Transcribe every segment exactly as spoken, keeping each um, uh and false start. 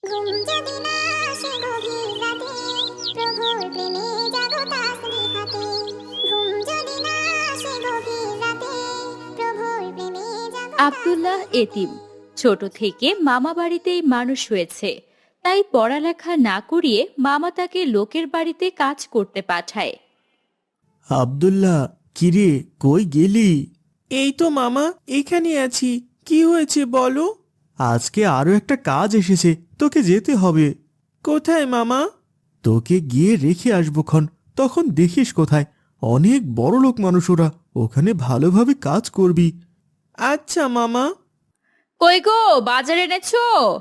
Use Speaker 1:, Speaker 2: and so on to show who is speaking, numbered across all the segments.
Speaker 1: ঘুম যদি না আসে গভীর রাতে, প্রভুর প্রেমে জাগো তাসবিহাতে। ঘুম যদি না আসে গভীর রাতে, প্রভুর প্রেমে জাগো
Speaker 2: আব্দুল্লাহ এতিম। ছোট থেকে মামা বাড়িতেই মানুষ হয়েছে, তাই পড়ালেখা না করিয়ে মামা তাকে লোকের বাড়িতে কাজ করতে পাঠায়।
Speaker 3: আব্দুল্লাহ, কিরে কই গেলি?
Speaker 4: এই তো মামা, এখানে আছি। কি হয়েছে বলো?
Speaker 3: আজকে আরো একটা কাজ এসেছে, তোকে যেতে হবে।
Speaker 4: কোথায় মামা?
Speaker 3: তোকে গিয়ে রেখে আসবো ক্ষণ, তখন দেখিস কোথায়। অনেক বড় লোক মানুষ ওরা, ওখানে ভালোভাবে কাজ করবি।
Speaker 4: আচ্ছা মামা।
Speaker 2: কই গো, বাজার এনেছো?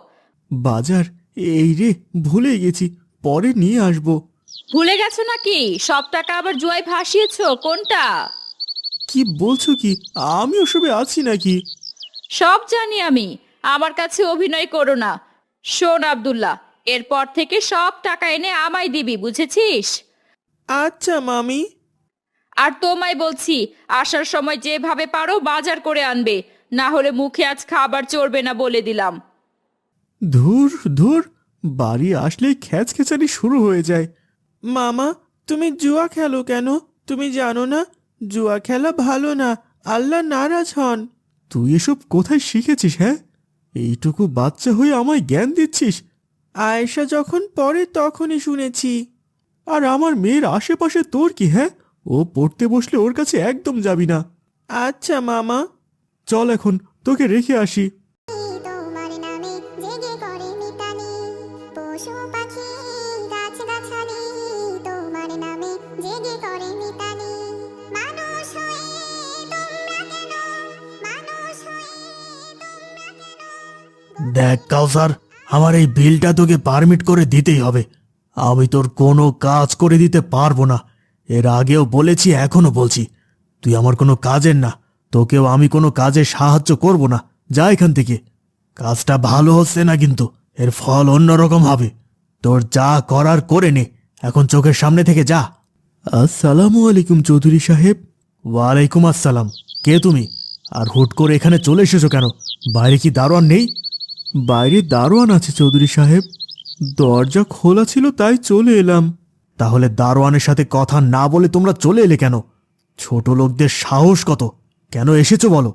Speaker 3: বাজার? এই রে, ভুলে গেছি, পরে নিয়ে আসবো।
Speaker 2: ভুলে গেছো নাকি? সব টাকা আবার জুয়ায় ভাসিয়েছো কোনটা?
Speaker 3: কি বলছো কি? আমি ওসবে আছি নাকি?
Speaker 2: সব জানি আমি, আমার কাছে অভিনয় করো না। শোন আব্দুল্লাহ, এরপর থেকে সব টাকা এনে আমায় দিবি, বুঝেছিস?
Speaker 4: আচ্ছা মামি।
Speaker 2: আর তোমায় বলছি, আসার সময় যেভাবে পারো বাজার করে আনবে, না হলে মুখে আজ খাবার চড়বে না বলে দিলাম।
Speaker 3: ধুর ধুর, বাড়ি আসলেই খ্যাচ খেচানি শুরু হয়ে যায়।
Speaker 4: মামা, তুমি জুয়া খেলো কেন? তুমি জানো না জুয়া খেলা ভালো না, আল্লাহ নারাজ হন।
Speaker 3: তুই এসব কোথায় শিখেছিস? হ্যাঁ, এইটুকু বাচ্চা হয়ে আমায় জ্ঞান দিচ্ছিস?
Speaker 4: আয়েশা যখন পড়ে তখনই শুনেছি।
Speaker 3: আর আমার মেয়ের আশেপাশে তোর কি? হ্যাঁ, ও পড়তে বসলে ওর কাছে একদম যাবি না।
Speaker 4: আচ্ছা মামা।
Speaker 3: চল এখন, তোকে রেখে আসি।
Speaker 1: তোমার নামে জেগে করে মিতালি। পশু পাখি গাছগাছালি, তোমার নামে জেগে করে মিতালি। মানুষ হয়ে তোমরা কেন, মানুষ হয়ে তোমরা কেন।
Speaker 3: দেখ কাউসার, আমার এই বিলটা তোকে পারমিট করে দিতেই হবে। আমি তোর কোনো কাজ করে দিতে পারবো না। এর আগেও বলেছি, এখনো বলছি, তুই আমার কোনো কাজের না। তোকেও আমি কোনো কাজে সাহায্য করব না। যা এখান থেকে। কাজটা ভালো হচ্ছে না, কিন্তু এর ফল অন্যরকম হবে। তোর যা করার করে নে, এখন চোখের সামনে থেকে যা। আসসালামু আলাইকুম চৌধুরী সাহেব। ওয়ালাইকুম আসসালাম। কে তুমি? আর হুট করে এখানে চলে এসেছো কেন? বাইরে কি দারোয়ান নেই? বাইরে দারোয়ান আছে চৌধুরী সাহেব, দরজা খোলা ছিল তাই চলে এলাম। তাহলে দারোয়ানের সাথে কথা না বলে তোমরা চলে এলে কেন? ছোট লোকদের সাহস কত? কেন এসেছো বলো?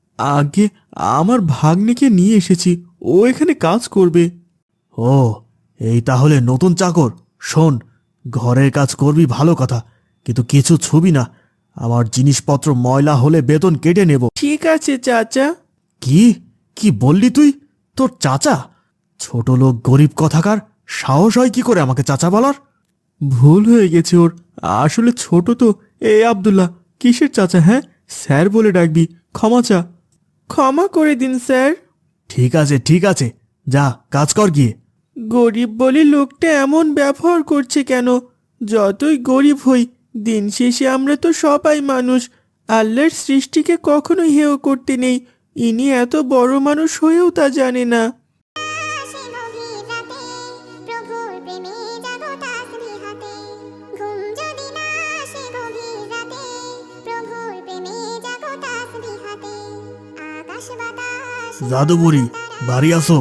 Speaker 3: আগে আমার ভাগ্নেকে নিয়ে এসেছি, ও এখানে কাজ করবে। ও, এই তাহলে নতুন চাকর? শোন, ঘরের কাজ করবি ভালো কথা, কিন্তু কিছু ছবি না। আমার জিনিসপত্র ময়লা হলে বেতন কেটে নেব।
Speaker 4: ঠিক আছে চাচা।
Speaker 3: কি কি বললি তুই? তোর চাচা? ছোট লোক গরিব কথাকার, সাহস হয় কি করে আমাকে চাচা বলার? ভুল হয়ে গেছে ওর, আসলে ছোট তো। এ আব্দুল্লাহ, কিসের চাচা? হ্যাঁ, স্যার বলে ডাকবি। ক্ষমা চা।
Speaker 4: ক্ষমা করে দিন স্যার।
Speaker 3: ঠিক আছে ঠিক আছে, যা কাজ কর গিয়ে।
Speaker 4: গরিব বলে লোকটা এমন ব্যবহার করছে কেন? যতই গরিব হই, দিন শেষে আমরা তো সবাই মানুষ। আল্লাহর সৃষ্টিকে কখনোই হেয় করতে নেই। ইনি এত বড় মানুষ হয়েও তা জানে না।
Speaker 1: আসে গভীর রাতে, প্রভুর প্রেমে জাগো তাসবিহাতে। ঘুম যদি না আসে গভীর রাতে, প্রভুর প্রেমে জাগো তাসবিহাতে। আকাশ বাতাস
Speaker 3: জাদুবুড়ি, বাড়ি আসো।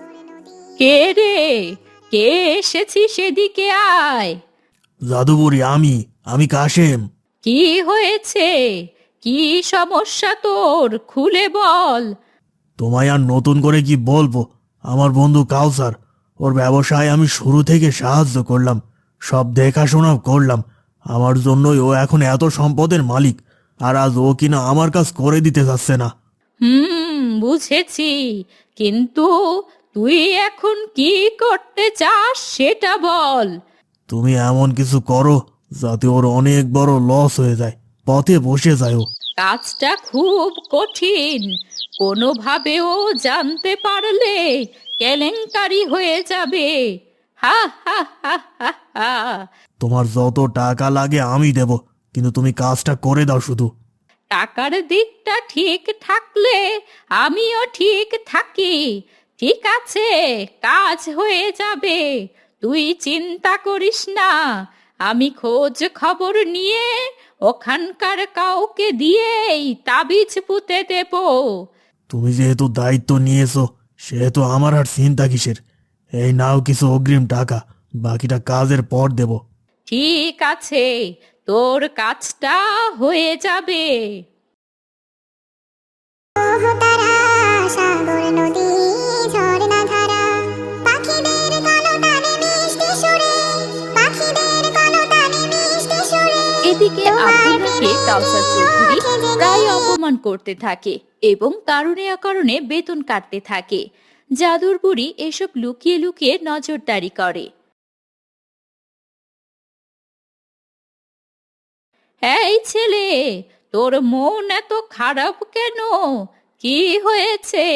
Speaker 2: কে রে? কে এসেছি সেদিকে আয়।
Speaker 3: জাদুবুড়ি আমি, আমি কাশেম।
Speaker 2: কি হয়েছে? কি সমস্যা তোর? খুলে বল।
Speaker 3: তোমায় আর নতুন করে কি বলবো? আমার বন্ধু কাউসার, ওর ব্যবসায় আমি শুরু থেকে সাহায্য করলাম, সব দেখাশোনা করলাম। আমার জন্যই ও এখন এত সম্পদের মালিক, আর আজ ও কিনা আমার কাজ করে দিতে যাচ্ছে না।
Speaker 2: হুম, বুঝেছি, কিন্তু তুই এখন কি করতে চাস সেটা বল।
Speaker 3: তুমি এমন কিছু করো যাতে ওর অনেক বড় লস হয়ে যায়, পথে বসে যায় ও।
Speaker 2: কাজটা খুব কঠিন, কোনোভাবেও জানতে পারলে কেলেঙ্কারি হয়ে যাবে। হা হা হা হা হা।
Speaker 3: তোমার যত টাকা লাগে আমি দেব, কিন্তু তুমি কাজটা করে দাও শুধু।
Speaker 2: টাকার দিকটা ঠিক থাকলে আমিও ঠিক থাকি। ঠিক আছে, কাজ হয়ে যাবে, তুই চিন্তা করিস না। আমি খোঁজ খবর নিয়ে ওখানকার কাউকে দিয়েই তাবিজ পুঁতে দেব।
Speaker 3: তুমি যেহেতু দায়িত্ব নিয়েছো, সেহেতু আমার আর চিন্তা কিসের। এই নাও কিছু অগ্রিম টাকা, বাকিটা কাজের পর দেব।
Speaker 2: ঠিক আছে, তোর কাজটা হয়ে যাবে।
Speaker 1: ওহ তারা, সাগর নদী ঝর্ণা ধারা, পাখিদের কলতানে মিষ্টি সুরে, পাখিদের কলতানে মিষ্টি সুরে।
Speaker 2: এদিকে আব্দুল্লাহকে কাউসার চৌধুরী প্রায় অপমান করতে থাকে এবং কারণে অকারণে বেতন কাটতে থাকে। জাদুর বুড়ি এসব লুকিয়ে লুকিয়ে নজরদারি করে। এই ছেলে, তোর মন এত খারাপ কেন? কি হয়েছে?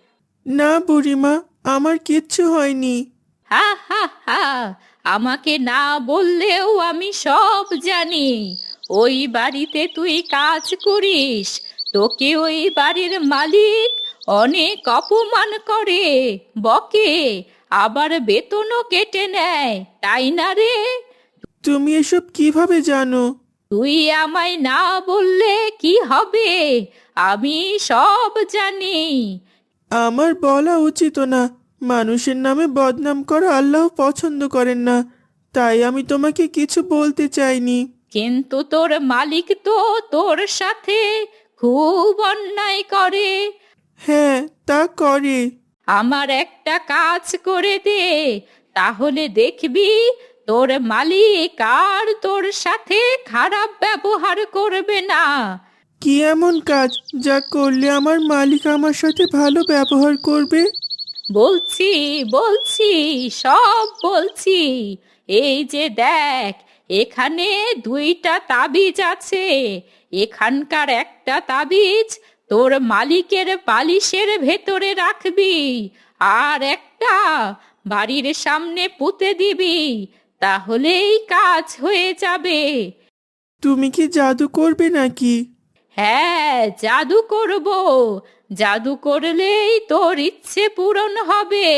Speaker 4: না বুড়িমা, আমার কিচ্ছু হয়নি।
Speaker 2: হা হা হা, আমাকে না বললেও আমি সব জানি। ওই বাড়িতে তুই কাজ করিস, তোকে ওই বাড়ির মালিক অনেক অপমান করে, বকে, আবার বেতনও কেটে নেয়, তাই না রে?
Speaker 4: তুমি এসব কিভাবে জানো?
Speaker 2: তুই আমায় না বললে কি হবে? আমি সব জানি।
Speaker 4: আমার বলা উচিত না। মানুষের নামে বদনাম করা আল্লাহ পছন্দ করেন না, তাই আমি তোমাকে কিছু বলতে চাইনি।
Speaker 2: কিন্তু তোর মালিক তো তোর সাথে খুব অন্যায় করে।
Speaker 4: হ্যাঁ, তা করে।
Speaker 2: আমার একটা কাজ করে দে, তাহলে দেখবি তোর মালিক আর তোর সাথে খারাপ ব্যবহার করবে না।
Speaker 4: কি এমন কাজ যা করলে আমার মালিক আমার সাথে ভালো ব্যবহার করবে?
Speaker 2: বলছি বলছি সব বলছি। এই যে দেখ, এখানে দুইটা তাবিজ আছে। এখানকার একটা তাবিজ তোর মালিকের বালিশের ভেতরে রাখবি, আর একটা বাড়ির সামনে পুঁতে দিবি, তাহলেই কাজ হয়ে যাবে।
Speaker 4: তুমি কি জাদু করবে নাকি?
Speaker 2: হ্যাঁ, জাদু করব। জাদু করলেই তোর ইচ্ছে পূরণ হবে।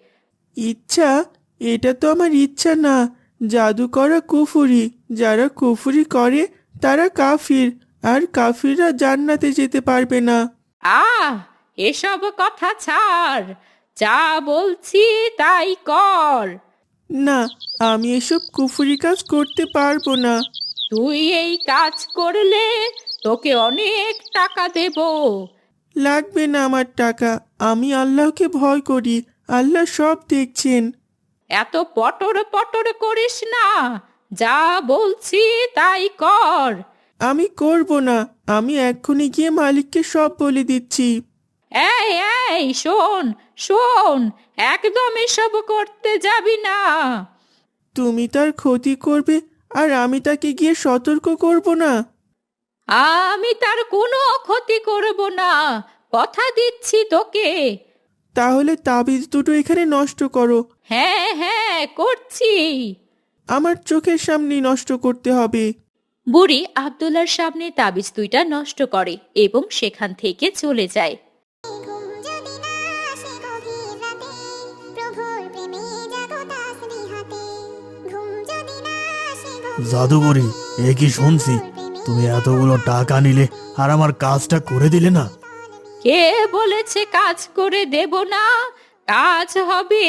Speaker 4: ইচ্ছা? এটা তো আমার ইচ্ছা না। জাদু করা কুফুরি। যারা কুফুরি করে তারা কাফির, আর কাফিররা জান্নাতে যেতে পারবে না।
Speaker 2: আহ, এসব কথা ছাড়, যা বলছি তাই কর।
Speaker 4: না, আমি এসব কুফুরি কাজ করতে পারবো না।
Speaker 2: তুই এই কাজ করলে তোকে অনেক টাকা দেব।
Speaker 4: লাগবে না আমার টাকা। আমি আল্লাহকে ভয় করি, আল্লাহ সব দেখছেন।
Speaker 2: এত পটর পটর করিস না, যা বলছি তাই কর।
Speaker 4: আমি করব না। আমি এক্ষুনি গিয়ে মালিককে সব বলে দিচ্ছি।
Speaker 2: এই এই শোন শোন, একদম এসব করতে যাবি না।
Speaker 4: তুমি তার ক্ষতি করবে আর আমি তাকে গিয়ে সতর্ক করব না?
Speaker 2: আমি তার কোনো ক্ষতি করব না, কথা দিচ্ছি তোকে।
Speaker 4: তাহলে তাবিজ দুটো এখানে নষ্ট করো।
Speaker 2: হ্যাঁ হ্যাঁ, করছি।
Speaker 4: আমার চোখের সামনেই নষ্ট করতে হবে।
Speaker 2: বুড়ি আব্দুল্লাহর সামনে তাবিজ দুইটা নষ্ট করে এবং সেখান থেকে চলে যায়।
Speaker 1: ঘুম যদি না আসে গভীর রাতে, প্রভুর প্রেমে জাগো তাসবিহাতে। ঘুম যদি না আসে গভীর
Speaker 3: জাদুকরি, এ কি শুনছি? তুমি এতগুলো টাকা নিলে আর আমার কাজটা করে দিলে না।
Speaker 2: কে বলেছে কাজ করে দেব না? কাজ হবে,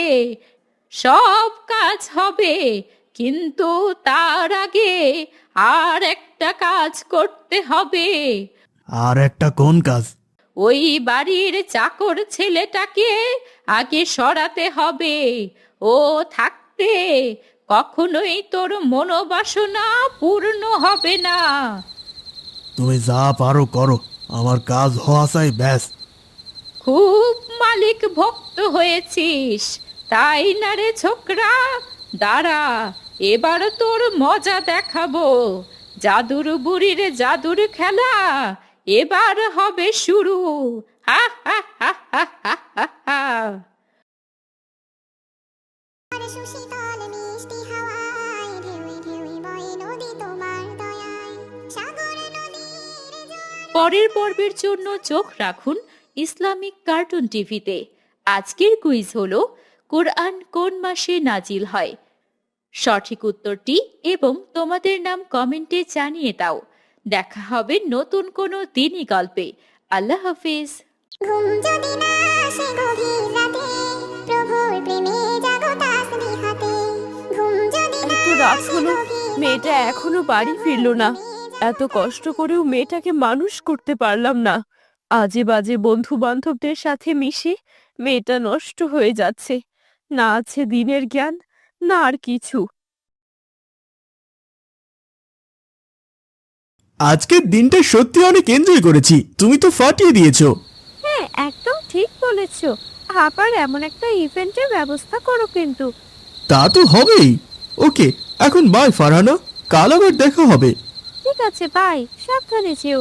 Speaker 2: সব কাজ হবে, কিন্তু তার আগে আর একটা কাজ করতে হবে।
Speaker 3: আর একটা কোন কাজ?
Speaker 2: ওই বাড়ির চাকর ছেলেটাকে আগে সরাতে হবে। ও থাকতে কখনোই তোর মনোবাসনা পূর্ণ হবে না।
Speaker 3: তুমি যা পারো করো, আমার কাজ হওয়া চাই ব্যাস।
Speaker 2: খুব মালিক ভক্ত হয়েছিস, তাই না রে ছোকরা? দাঁড়া, এবার তোর মজা দেখাবো। জাদুর বুড়ির জাদুর খেলা এবার হবে শুরু। হা হা হা হা হা হা হা।
Speaker 1: সুশীতল মিষ্টি হাওয়ায়, ঢেউয়ে ঢেউয়ে বয়ে নদী তোমার দয়ায়। সাগর নদীর জোয়ার
Speaker 2: পরের পর্বের জন্য চোখ রাখুন ইসলামিক কার্টুন টিভিতে। আজকের কুইজ হলো, কোরআন কোন মাসে নাজিল হয়? সঠিক উত্তরটি এবং তোমাদের নাম কমেন্টে জানিয়ে দাও। দেখা হবে নতুন কোনো দিনই গল্পে। আল্লাহ হাফিজ।
Speaker 1: ঘুম যদি না আসে গভীর রাতে, প্রভুর প্রেমে জাগো
Speaker 5: রাত হলো, মেয়েটা এখনো বাড়ি ফিরলো না। এত কষ্ট করেও মেয়েটাকে মানুষ করতে পারলাম না। আজে বাজে বন্ধু বান্ধবদের সাথে মিশে মেয়েটা নষ্ট হয়ে যাচ্ছে। না আছে দিনের জ্ঞান, না আর কিছু।
Speaker 3: আজকের দিনটা সত্যি অনেক এনজয় করেছি, তুমি তো ফাটিয়ে দিয়েছো।
Speaker 5: হ্যাঁ, একদম ঠিক বলেছো। আবার এমন একটা ইভেন্টের ব্যবস্থা করো কিন্তু।
Speaker 3: তা তো হবেই। ওকে, এখন বাই ফারহানা, কাল আবার দেখা হবে।
Speaker 5: ঠিক আছে, বাই, সাবধানে যেও।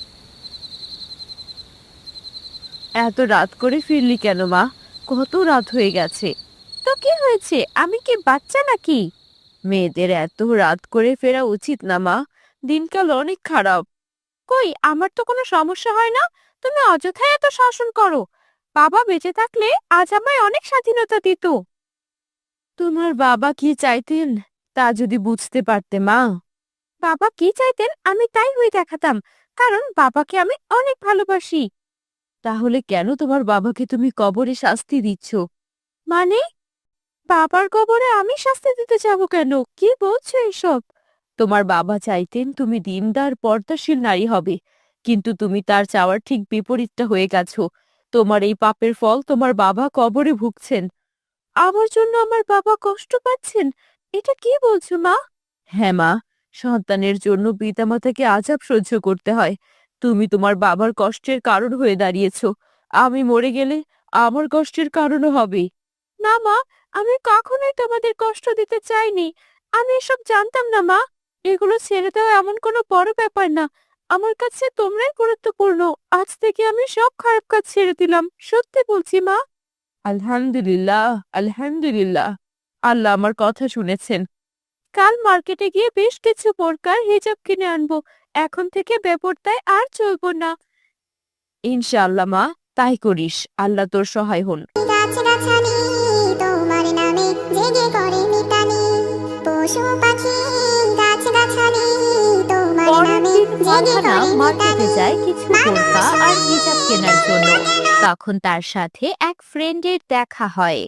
Speaker 5: এত রাত করে ফিরলি কেন মা? কত রাত হয়ে গেছে। তো কি হয়েছে, আমি কি বাচ্চা নাকি? মেয়েদের এত রাত করে ফেরা উচিত না মা, দিনকাল অনেক খারাপ। কই, আমার তো কোনো সমস্যা হয় না, তুমি অযথাই এত শাসন করো। বাবা বেঁচে থাকলে আজ আমায় অনেক স্বাধীনতা দিত। তোমার বাবা কি চাইতেন তা যদি বুঝতে পারতে মা। বাবা কি চাইতেন আমি তাই হয়ে দেখাতাম, কারণ বাবাকে আমি অনেক ভালোবাসি। তাহলে কেন তোমার বাবাকে তুমি কবরে শাস্তি দিচ্ছ? মানে, বাবার কবরে আমি শাস্তি দিতে যাব কেন? কি বলছো এসব? তোমার বাবা চাইতেন তুমি দিনদার পর্দাশীল নারী হবে, কিন্তু তুমি তার চাওয়ার ঠিক বিপরীতটা হয়ে গেছো। তোমার এই পাপের ফল তোমার বাবা কবরে ভুগছেন। আমার জন্য আমার বাবা কষ্ট পাচ্ছেন? এটা কি বলছো মা? হ্যাঁ মা, সন্তানের জন্য পিতামাতাকে আযাব সহ্য করতে হয়। তুমি তোমার বাবার কষ্টের কারণ হয়ে দাঁড়িয়েছো। আমি মরে গেলে আমার কষ্টের কারণও হবে। না মা, আমি কখনোই তোমাদের কষ্ট দিতে চাইনি। আমি এসব জানতাম না মা। এগুলো ছেড়ে দেওয়া এমন কোনো বড় ব্যাপার না। আমার কাছে তোমরাই গুরুত্বপূর্ণ। আজ থেকে আমি সব খারাপ কাজ ছেড়ে দিলাম, সত্যি বলছি মা। আলহামদুলিল্লাহ, আলহামদুলিল্লাহ। আল্লাহ আমার কথা শুনেছেন। কাল মার্কেটে গিয়ে বেশ কিছু বোরকার হিজাব কিনে আনবো। এখন থেকে বেপরদায় আর চলবো না। ইনশাআল্লাহ মা, তাই করিস। আল্লাহ তোর সহায় হন।
Speaker 1: গাছগাছালি তোমার নামে জেগে করে মিতালি, পশু পাখি গাছগাছালি তোমার
Speaker 2: পরের
Speaker 1: নামে
Speaker 2: দিন
Speaker 1: জেগে
Speaker 2: ফারহানা
Speaker 1: করে
Speaker 2: মার্কেটে
Speaker 1: মিতালি।
Speaker 2: যায় কিছু বোরকা আর হিজাব কেনার জন্য। তখন তার সাথে এক ফ্রেন্ডের দেখা হয়।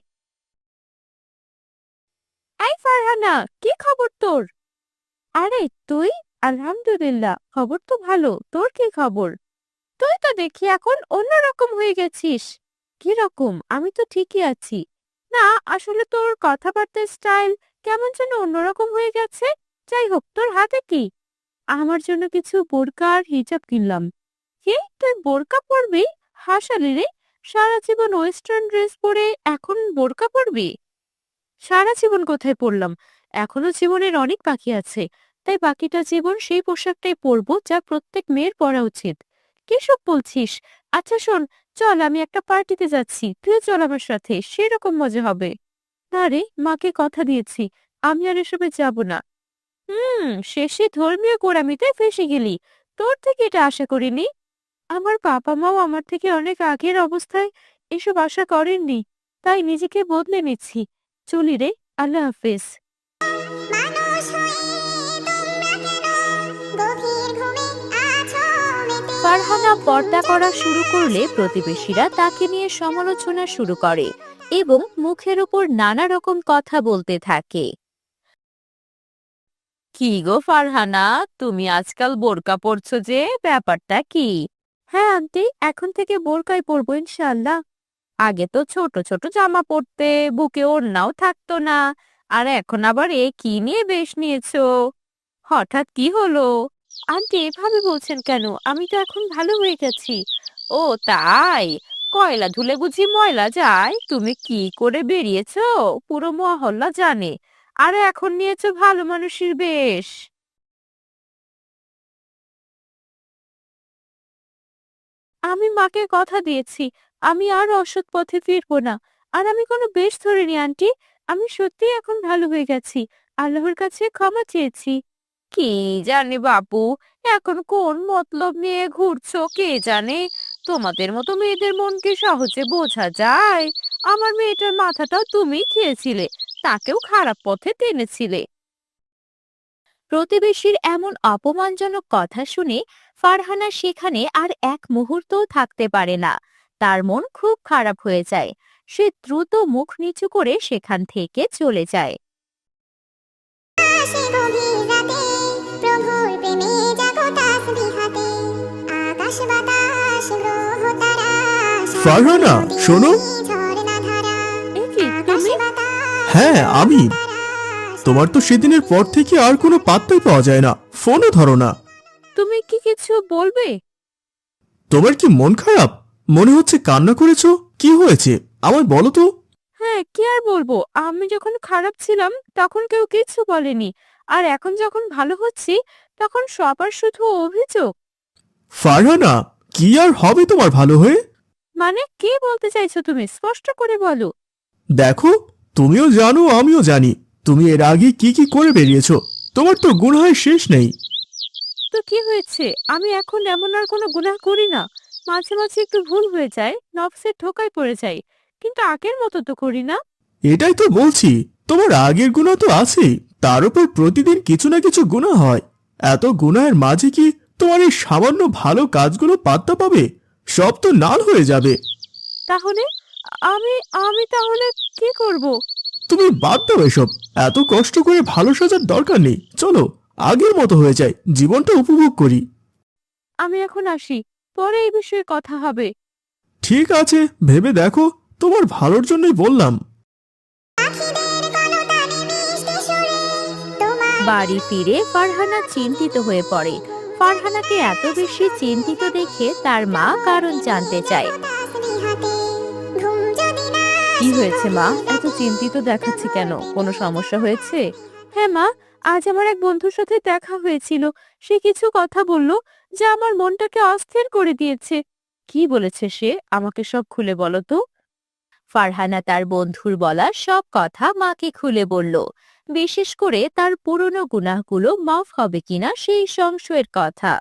Speaker 5: এই ফারহানা, কি খবর তোর? আরে তুই? আলহামদুলিল্লাহ, খবর তো ভালো। তোর কি খবর? তুই তো দেখি এখন অন্যরকম হয়ে গেছিস। কি রকম? আমি তো ঠিকই আছি। না, আসলে তোর কথাবার্তার স্টাইল কেমন যেন অন্যরকম হয়ে গেছে। যাই হোক, তোর হাতে কি? আমার জন্য কিছু বোরকা আর হিজাব কিনলাম। কি, তুই বোরকা পরবি? হাসালি রে, সারা জীবন ওয়েস্টার্ন ড্রেস পরে এখন বোরকা পরবি? সারা জীবন কোথায় পরলাম, এখনো জীবনের অনেক বাকি আছে। তাই বাকিটা জীবন সেই পোশাকটাই পরবো যা প্রত্যেক মেয়ের পরা উচিত। কিসব বলছিস? আচ্ছা শোন, চল আমি একটা পার্টিতে যাচ্ছি, তুই চল আমার সাথে, সেরকম মজা হবে। না রে, মাকে কথা দিয়েছি, আমি আর এসবে যাব না। হুম, শেষে ধর্মীয় গোঁড়ামিতে ফেঁসে গেলি। তোর থেকে এটা আশা করিনি। আমার বাবা মাও আমার থেকে অনেক আগের অবস্থায় এসব আশা করেননি, তাই নিজেকে বদলে নিচ্ছি। চলি রে, আল্লাহ হাফেজ।
Speaker 1: মানুষ হয়ে তোমরা কেন গভীর ঘুমে আছো মেতে?
Speaker 2: ফারহানা পর্দা করা শুরু করলে প্রতিবেশীরা তাকে নিয়ে সমালোচনা শুরু করে এবং মুখের উপর নানা রকম কথা বলতে থাকে। কি গো ফারহানা, তুমি আজকাল বোরকা পরছো যে, ব্যাপারটা কি?
Speaker 5: হ্যাঁ আন্টি, এখন থেকে বোরকাই পরবো ইনশাআল্লাহ।
Speaker 2: আগে তো ছোট ছোট জামা পরতে, বুকে ওড়নাও থাকতো না, আর এখন আবার এ কি নিয়ে বেশ নিয়েছো? হঠাৎ কি হলো?
Speaker 5: আন্টি এভাবে বলছেন কেন? আমি তো এখন ভালো হয়ে গেছি।
Speaker 2: ও তাই? কয়লা ধুলে বুঝি ময়লা যায়? তুমি কি করে বেরিয়েছো পুরো মহল্লা জানে, আর এখন নিয়েছো ভালো মানুষের বেশ।
Speaker 5: আমি মাকে কথা দিয়েছি, আমি আর অসৎ পথে ফিরবো না। আর আমি কোনো বেশ ধরিনি আন্টি, আমি সত্যিই এখন ভালো হয়ে গেছি। আল্লাহর কাছে ক্ষমা চেয়েছি।
Speaker 2: কি জানি বাপু, এখন কোন মতলব নিয়ে ঘুরছো কে জানে। তোমাদের মতো মেয়েদের মন কি সহজে বোঝা যায়? আমার মেয়েটার মাথাটাও তুমি খেয়েছিলে, তাকেও খারাপ পথে টেনেছিলে। প্রতিবেশীর এমন অপমানজনক কথা শুনে ফারহানা সেখানে আর এক মুহূর্তও থাকতে পারে না। তার মন খুব খারাপ হয়ে যায়। সে দ্রুত মুখ নিচু করে সেখান থেকে চলে যায়।
Speaker 1: আকাশ বাতাস গ্রহ তারা
Speaker 3: ফারহানা, শোনো।
Speaker 1: ঝর্ণাধারা
Speaker 5: এ কি তুমি?
Speaker 3: হ্যাঁ আমি। তোমার তো সেদিনের পর থেকে আর কোনো পাত্তাই পাওয়া যায় না, ফোনও ধরো না।
Speaker 5: তুমি কি কিছু বলবে?
Speaker 3: তোমার কি মন খারাপ? মনে হচ্ছে কান্না করেছো, কি হয়েছে আমায় বলো তো।
Speaker 5: হ্যাঁ, কি আর বলবো, আমি যখন খারাপ ছিলাম তখন কেউ কিছু বলেনি, আর এখন যখন ভালো হচ্ছি তখন সবার শুধু অভিযোগ।
Speaker 3: ফারহানা, কি আর হবে তোমার ভালো হয়ে?
Speaker 5: মানে কি বলতে চাইছো তুমি, স্পষ্ট করে বলো।
Speaker 3: দেখো, তুমিও জানো আমিও জানি তুমি এর আগে কি কি করে বেরিয়েছো। তোমার তো গুনাহের শেষ নেই।
Speaker 5: তো কি হয়েছে, আমি এখন এমন আর কোনো গুনাহ করি না। মাঝে মাঝে একটু ভুল হয়ে যায়, নফসের ধোকায় পড়ে যাই, কিন্তু আগের মতো তো করি না।
Speaker 3: এটাই তো বলছি, তোমার আগের গুনাহ তো আছেই, তার উপর প্রতিদিন কিছু না কিছু গুনাহ হয়। এত গুনাহের মাঝে কি তোমার এই সামান্য ভালো কাজগুলো পাত্তা পাবে? সব তো নাল হয়ে যাবে।
Speaker 5: তাহলে আমি আমি তাহলে কি করব?
Speaker 3: তুমি বাদ দাও এসব, এত কষ্ট করে ভালো সাজার দরকার নেই। চলো আগের মতো হয়ে যায়, জীবনটা উপভোগ করি।
Speaker 5: আমি এখন আসি, পরে এই বিষয়ে কথা হবে।
Speaker 3: ঠিক আছে, ভেবে দেখো, তোমার ভালোর জন্যই বললাম।
Speaker 1: পাখিদের কলতানে মিষ্টি সুরে তোমার
Speaker 2: বাড়ি ফিরে ফারহানা চিন্তিত হয়ে পড়ে। ফারহানাকে এত বেশি চিন্তিত দেখে তার মা কারণ জানতে চায়।
Speaker 1: তাসবি হাতে ঘুম যদি না
Speaker 5: কি হয়েছে মা, এত চিন্তিত দেখাচ্ছে কেন, কোনো সমস্যা হয়েছে? হ্যাঁ মা, আজ আমার এক বন্ধুর সাথে দেখা হয়েছিল। সে কিছু কথা বলল যা আমার মনটাকে অস্থির করে দিয়েছে। কি বলেছে সে, আমাকে সব খুলে বলো তো।
Speaker 2: ফারহানা তার বন্ধুর বলা সব কথা মাকে খুলে বলল, বিশেষ করে তার পুরনো গুনাহগুলো মাফ হবে কিনা সেই সংশয়ের কথা।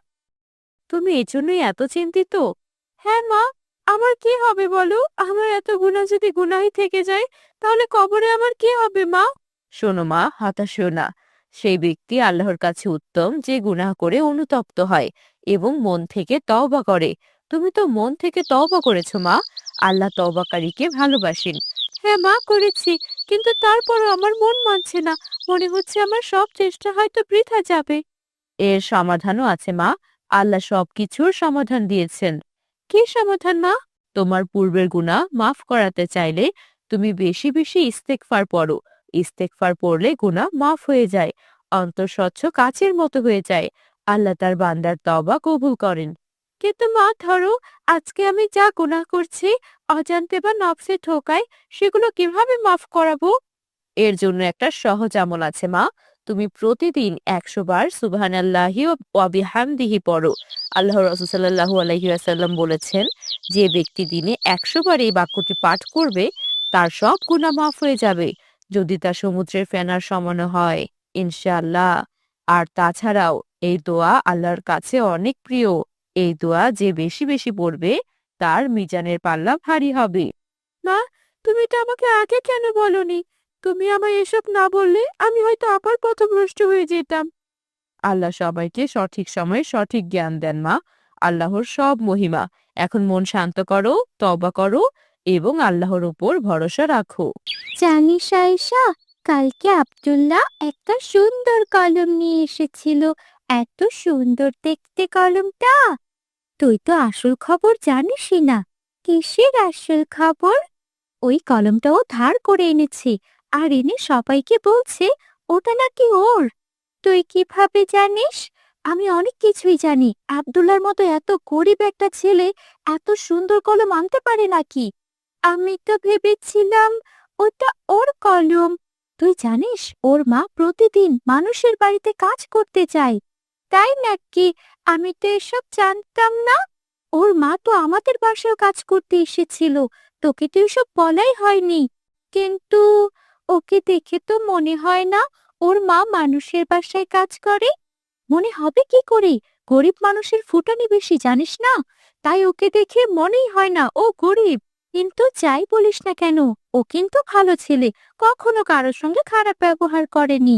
Speaker 5: তুমি এজন্যই এত চিন্তিত? হ্যাঁ মা, আমার কি হবে বলো, আমার এত গুনাহ যদি গুনাহই থেকে যায় তাহলে কবরে আমার কি হবে মা? শোনো মা, হতাশ হও না। সেই ব্যক্তি আল্লাহর কাছে উত্তম যে গুনাহ করে অনুতপ্ত হয় এবং মন থেকে তওবা করে। তুমি তো মন থেকে তওবা করেছো মা, আল্লাহ তওবাকারীকে ভালোবাসেন। হ্যাঁ মা, করেছি, কিন্তু তারপরও আমার মন মানছে না, মনে হচ্ছে আমার সব চেষ্টা হয়তো বৃথা যাবে। এর সমাধানও আছে মা, আল্লাহ সবকিছুর সমাধান দিয়েছেন। কি সমাধান মা? তোমার পূর্বের গুনাহ মাফ করাতে চাইলে তুমি বেশি বেশি ইস্তেগফার পড়ো। ইস্তেগফার পড়লে গুনাহ মাফ হয়ে যায়, অন্তর স্বচ্ছ কাচের মতো হয়ে যায়। আল্লাহ তার বান্দার তওবা কবুল করেন। কিন্তু মা, ধরো আজকে আমি যা গুনাহ করছি, অজান্তে বা নফসে ঠোকায়, সেগুলো কিভাবে মাফ করাবো? এর জন্য একটা সহজ আমল আছে মা। তুমি প্রতিদিন একশো বার সুবহানাল্লাহি ওয়া বিহামদিহি পড়ো। আল্লাহ রাসূল সাল্লাল্লাহু আলাইহি ওয়াসাল্লাম বলেছেন, যে ব্যক্তি দিনে একশো বার এই বাক্যটি পাঠ করবে তার সব গুনাহ মাফ হয়ে যাবে, যদি তা সমুদ্রের ফেনার সমান হয়, ইনশাআল্লাহ। আর তাছাড়াও এই দোয়া আল্লাহর কাছে অনেক প্রিয়। এই দোয়া যে বেশি বেশি পড়বে তার মিজানের পাল্লা ভারী হবে। মা, তুমি এটা আমাকে আগে কেন বলনি? তুমি আমায় এসব না বললে আমি হয়তো আবার পথভ্রষ্ট হয়ে যেতাম। আল্লাহ সবাইকে সঠিক সময়ে সঠিক জ্ঞান দেন মা, আল্লাহর সব মহিমা। এখন মন শান্ত করো, তওবা করো এবং আল্লাহর উপর ভরসা রাখো।
Speaker 1: জানিস আয়েশা, কালকে আব্দুল্লাহ একটা সুন্দর কলম নিয়ে এসেছিল। এত সুন্দর দেখতে কলমটা। তুই তো আসল খবর জানিসই না। কিসের আসল খবর? ওই কলমটাও ধার করে এনেছে, আর এনে সবাইকে বলছে ওটা নাকি ওর। তুই কিভাবে জানিস? আমি অনেক কিছুই জানি। আব্দুল্লাহর মতো এত গরিব একটা ছেলে এত সুন্দর কলম আনতে পারে নাকি? আমি তো ভেবেছিলাম ওটা ওর কলম। তুই জানিস ওর মা প্রতিদিন মানুষের বাড়িতে কাজ করতে যায়। তাই নাকি? আমি তো এসব জানতাম না। ওর মা তো আমাদের বাসায় কাজ করতে এসেছিল, তোকে তো এসব বলাই হয়নি। কিন্তু ওকে দেখে তো মনে হয় না ওর মা মানুষের বাসায় কাজ করে। মনে হবে কি করে? গরিব মানুষের ফুটানি বেশি, জানিস না? তাই ওকে দেখে মনেই হয় না ও গরিব। কিন্তু যাই বলিস না কেন, ও কিন্তু ভালো ছেলে, কখনো কারোর সঙ্গে খারাপ ব্যবহার করেনি।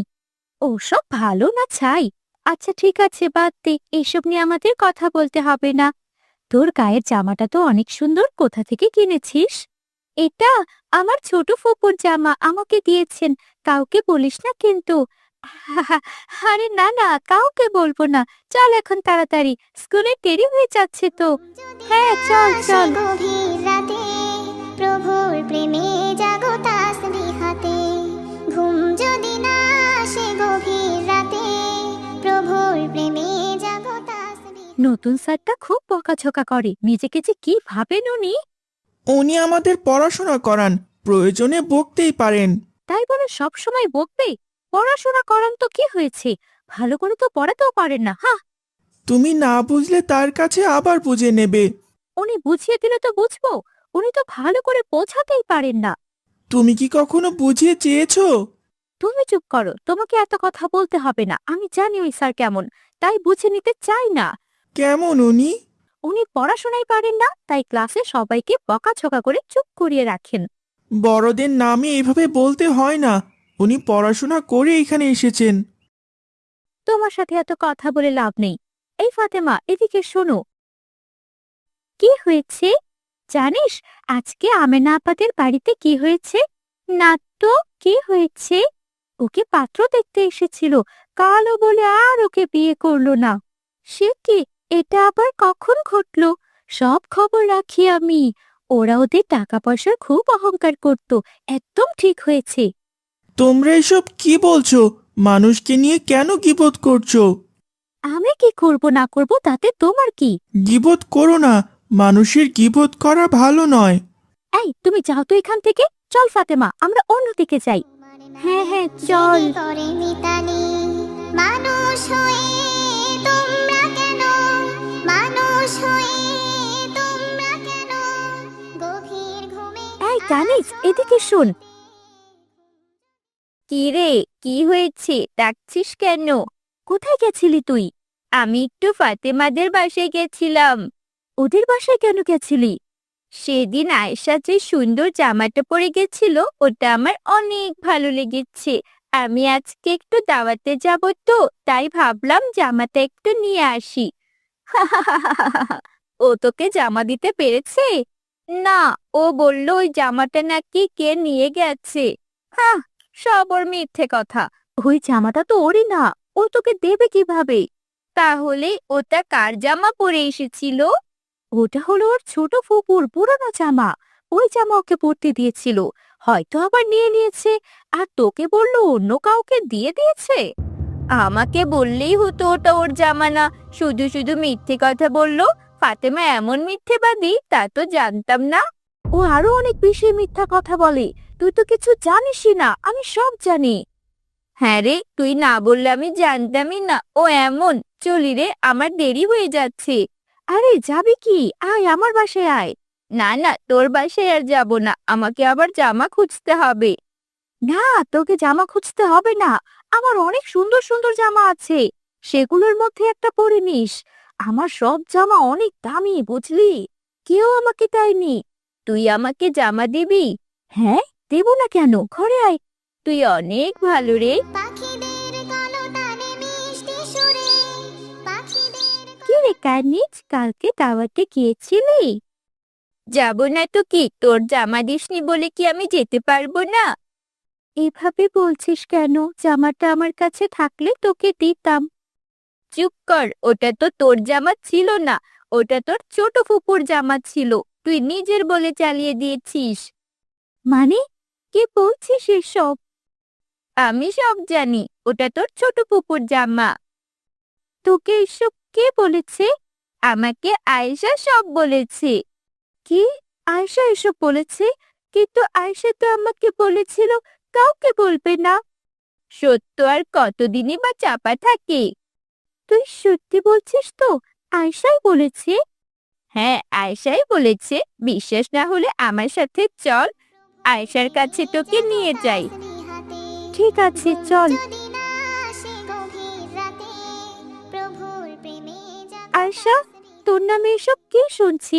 Speaker 1: ওসব ভালো না ছাই। আচ্ছা ঠিক আছে, বাদ দে, এসব নিয়ে আমাদের কথা বলতে হবে না। তোর গায়ের জামাটা তো অনেক সুন্দর, কোথা থেকে কিনেছিস? এটা আমার ছোট ফুপুর জামা, আমাকে দিয়েছেন। কাউকে বলিস না কিন্তু। আরে না না, কাউকে বলবো না। চল এখন তাড়াতাড়ি, স্কুলে দেরি হয়ে যাচ্ছে তো। হ্যাঁ চল চল।
Speaker 6: গভীর রাতে প্রভুর প্রেমে জাগো তাসবিহাতে, ঘুম যদি না আসে গভীর রাতে প্রভুর প্রেমে জাগো তাসবিহাতে।
Speaker 1: নতুন স্যারটা খুব বকাঝকা করে, নিজেকে যে কি ভাবেন উনি।
Speaker 4: উনি আমাদের পড়াশোনা করান, প্রয়োজনে বকতেই পারেন।
Speaker 1: তাই বলে সব সময় বকবে? পড়াশোনা করান তো কি হয়েছে, ভালো করে তো পড়াতেও পারেন না। হ্যাঁ,
Speaker 4: তুমি না বুঝলে তার কাছে আবার বুঝে নেবে।
Speaker 1: উনি বুঝিয়ে দিলে তো বুঝবো, উনি তো ভালো করে বোঝাতেই পারেন না।
Speaker 4: তুমি কি কখনো বুঝিয়ে চেয়েছো?
Speaker 1: তুমি চুপ করো, তোমাকে এত কথা বলতে হবে না। আমি জানি ওই স্যার কেমন, তাই বুঝে নিতে চাই না।
Speaker 4: কেমন উনি?
Speaker 1: উনি পড়াশোনাই পারেন না, তাই ক্লাসে সবাইকে বকাঝকা করে চুপ করিয়ে রাখেন।
Speaker 4: বড়দের নামে এভাবে বলতে হয় না। উনি পড়াশোনা করে এখানে এসেছেন।
Speaker 1: তোমার সাথে এত কথা বলে লাভ নেই। এই ফাতেমা, এদিকে শোনো। কি হয়েছে জানিস? আজকে আমেনা আপাদের বাড়িতে কি হয়েছে? না তো, কি হয়েছে? ওকে পাত্র দেখতে এসেছিল, কালো বলে আর ওকে বিয়ে করলো না। সে কি? এটা আবার কখন ঘটলো? সব খবর রাখি আমি। ওরা ওদের টাকা পয়সার খুব অহংকার করত, একদম ঠিক হয়েছে।
Speaker 4: তোমরা এসব কি বলছো? মানুষকে নিয়ে কেন গীবত করছো?
Speaker 1: আমি কি করব না করব তাতে তোমার কি?
Speaker 4: গীবত করো না, মানুষের গীবত করা ভালো নয়।
Speaker 1: এই তুমি যাও তো এখান থেকে। চল ফাতেমা, আমরা অন্যদিকে যাই। হ্যাঁ হ্যাঁ চল।
Speaker 6: জেগে করে মিতালি, মানুষ হয়ে তোমরা কেন, মানুষ হয়ে তোমরা কেন গভীর ঘুমে।
Speaker 1: এই কানিজ, এদিকে শোন। কি রে, কি হয়েছে? ডাকছিস কেন? কোথায় গেছিলি তুই? আমি একটু ফাতেমাদের বাসায় গেছিলাম। ওদের বাসায় কেন গেছিলি? সেদিন আয়েশা যে সুন্দর জামাটা পরে গেছিল, ওটা আমার অনেক ভালো লেগেছে। আমি আজকে একটু দাওয়াতে যাব তো, তাই ভাবলাম জামাটা একটু নিয়ে আসি। ও তোকে জামা দিতে পেরেছে? না, ও বলল ওই জামাটা নাকি কে নিয়ে গেছে। হ্যাঁ, সব ওর মিথ্যে কথা। ওই জামাটা তো ওরই না, ও তোকে দেবে কিভাবে? তাহলে ওটা কার জামা পরে এসেছিল? ওটা হলো ওর ছোট ফুপুর পুরনো জামা। ওই জামা ওকে পরতে দিয়েছিল, হয়তো আবার নিয়ে নিয়েছে। আর তোকে বললো অন্য কাউকে দিয়ে দিয়েছে। আমাকে বললেই হতো ওটা ওর জামা না, শুধু শুধু মিথ্যে কথা বললো। ফাতেমা এমন মিথ্যেবাদী, তা তো জানতাম না। ও আরো অনেক বেশি মিথ্যা কথা বলে, তুই তো কিছু জানিসই না, আমি সব জানি। হ্যাঁ রে, তুই না বললে আমি জানতামই না ও এমন। চলি রে, আমার দেরি হয়ে যাচ্ছে। আরে যাবি কি? আয় আমার বাসায় আয়। না না, তোর বাসায় আর যাব না, আমাকে আবার জামা খুঁজতে হবে। না, তোকে জামা খুঁজতে হবে না, আমার অনেক সুন্দর সুন্দর জামা আছে, সেগুলোর মধ্যে একটা পরে নিস। আমার সব জামা অনেক দামি, বুঝলি? কেউ আমাকে দেয়নি। তুই আমাকে জামা দিবি? হ্যাঁ, দেব না কেন, ঘরে আয়। তুই অনেক ভালো রে।
Speaker 6: পাখিদের কলতানে মিষ্টি সুরে, পাখিদের
Speaker 1: কি রে কানিজ, কালকে দাওয়াতে গিয়েছিলি? যাব না তো কি, তোর জামা দিসনি বলে কি আমি যেতে পারবো না? এভাবে বলছিস কেন? জামাটা আমার কাছে থাকলে তোকে দিতাম। চুপ কর, ওটা তো তোর জামা ছিল না, ওটা তোর ছোট ফুপুর জামা ছিল। তুই নিজের বলে চালিয়ে দিয়েছিস। মানে কি বলছিস এসব? আমি সব জানি, ওটা তোর ছোট ফুপুর জামা। তোকে এসব কে বলেছে? আমাকে আয়েশা সব বলেছে। কি? আয়েশা এসব বলেছে? কিন্তু আয়েশা তো আমাকে বলেছিল কাউকে বলবে না। সত্য আর কতদিনই বা চাপা থাকে? তুই সত্যি বলছিস তো? আয়েশাই বলেছে? হ্যাঁ, আয়েশাই বলেছে। বিশ্বাস না হলে আমার সাথে চল, আয়েশার কাছে তোকে নিয়ে যাই।
Speaker 6: তাসবিহাতে,
Speaker 1: ঠিক আছে চল।
Speaker 6: যদি না আসে গভীর রাতে প্রভুর প্রেমে জাগো
Speaker 1: আয়েশা,
Speaker 6: তাসবিহাতে।
Speaker 1: তোর নামে এসব কি শুনছি?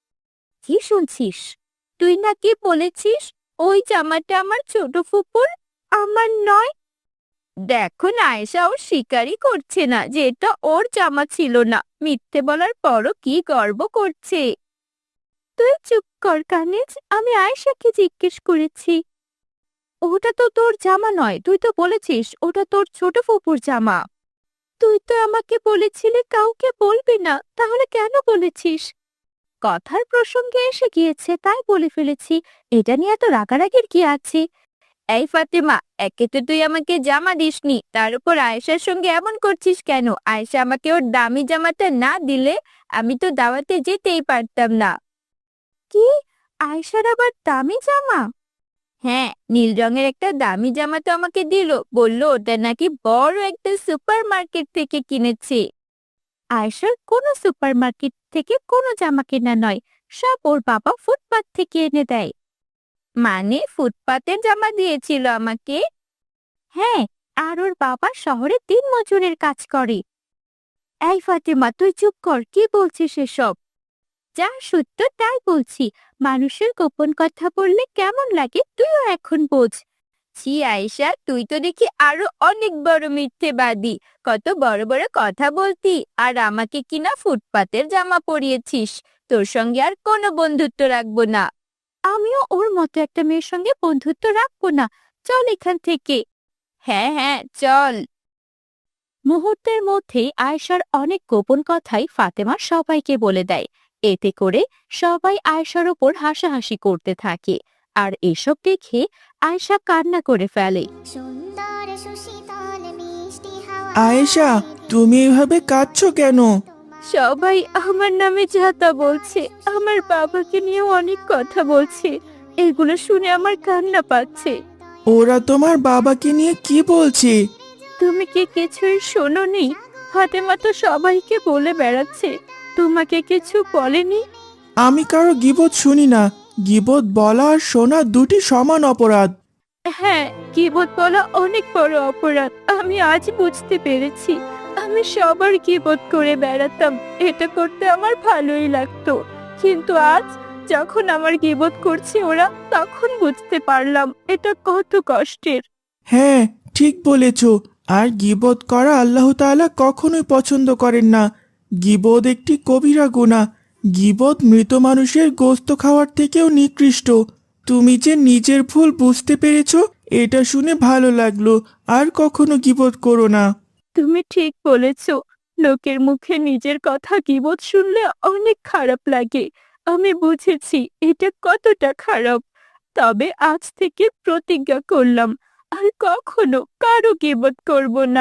Speaker 1: কি শুনছিস? তুই নাকি বলেছিস ওই জামাটা আমার ছোট ফুপুর, আমার নয়। দেখো না, আয়েশা ওর স্বীকারই করছে না যে এটা ওর জামা ছিল না, মিথ্যে বলার পরও কি গর্ব করছে। তুই চুপ কর কানিজ, আমি আয়েশাকে জিজ্ঞেস করেছি।
Speaker 5: ওটা তো তোর জামা নয়, তুই তো বলেছিস ওটা তোর ছোট ফুপুর জামা। তুই তো আমাকে বলেছিলি কাউকে বলবি না, তাহলে কেন বলেছিস? কথার প্রসঙ্গে এসে গিয়েছে তাই বলে ফেলেছি, এটা নিয়ে এত রাগারাগির কি আছে? এই ফাতেমা, একে তো তুই আমাকে জামা দিসনি, তার উপর আয়েশার সঙ্গে এমন করছিস কেন? আয়েশা আমাকে ওর দামি জামাটা না দিলে আমি তো দাওয়াতে যেতেই পারতাম না। কি? আয়েশার আবার দামি জামা? হ্যাঁ, নীল রঙের একটা দামি জামা তো আমাকে দিল, বলল ওটা নাকি বড় একটা সুপার মার্কেট থেকে কিনেছে। আয়েশার কোনো সুপার মার্কেট থেকে কোনো জামা কেনা নয়, সব ওর বাবা ফুটপাত থেকে এনে দেয়। মানে ফুটপাতের জামা দিয়েছিল আমাকে? হ্যাঁ, আর ওর বাবা শহরে দিন মজুরের কাজ করে। এই ফাতেমা, তুই চুপ কর, কি বলছিস এসব? যা সত্য তাই বলছি, মানুষের গোপন কথা বললে কেমন লাগে তুইও এখন বোঝ। ছি আয়েশা, তুই তো দেখি আরো অনেক বড় মিথ্যেবাদী। কত বড় বড় কথা বলতি, আর আমাকে কিনা ফুটপাতের জামা পরিয়েছিস। তোর সঙ্গে আর কোনো বন্ধুত্ব রাখবো না। আমিও ওর মতো একটা মেয়ের সঙ্গে বন্ধুত্ব রাখবো না, চল এখান থেকে। হ্যাঁ হ্যাঁ চল। মুহূর্তের মধ্যেই আয়েশার অনেক গোপন কথাই ফাতেমা সবাইকে বলে দেয়। এতে করে সবাই আয়েশার ওপর হাসাহাসি করতে থাকে, আর এসব দেখে আয়েশা কান্না করে ফেলে।
Speaker 6: সুন্দর সুশীতল মিষ্টি হাওয়া
Speaker 4: আয়েশা, তুমি এভাবে কাঁদছো কেন?
Speaker 5: সবাই আমার নামে যাতা বলছে, আমার বাবাকে নিয়েও অনেক কথা বলছে, এগুলো শুনে আমার কান্না পাচ্ছে।
Speaker 4: ওরা তোমার বাবাকে নিয়ে কি বলছে?
Speaker 5: তুমি কি কিছুই শোনোনি? ফাতেমা তো সবাইকে বলে বেড়াচ্ছে, তোমাকে কিছু বলেনি?
Speaker 4: আমি কারো গীবত শুনি না। গীবত বলা আর শোনা দুটি সমান অপরাধ।
Speaker 5: হ্যাঁ, গীবত বলা অনেক বড় অপরাধ, আমি আজ বুঝতে পেরেছি। আমি সবার গীবত করে বেড়াতাম, এটা করতে আমার ভালোই লাগতো, কিন্তু আজ যখন আমার গীবত করছে ওরা, তখন বুঝতে পারলাম এটা কত কষ্টের।
Speaker 4: হ্যাঁ, ঠিক বলেছ। আর গীবত করা আল্লাহ তাআলা কখনোই পছন্দ করেন না। গীবত একটি কবিরা গুনাহ। গীবত মৃত মানুষের গোশত খাওয়ার থেকেও নিকৃষ্ট। তুমি যে নিজের ভুল বুঝতে পেরেছো, এটা শুনে ভালো লাগলো। আর কখনো গীবত করো না।
Speaker 5: তুমি ঠিক বলেছ, লোকের মুখে নিজের কথা গীবত শুনলে অনেক খারাপ লাগে। আমি বুঝেছি এটা কতটা খারাপ। তবে আজ থেকে প্রতিজ্ঞা করলাম আর কখনো কারো গীবত করব না।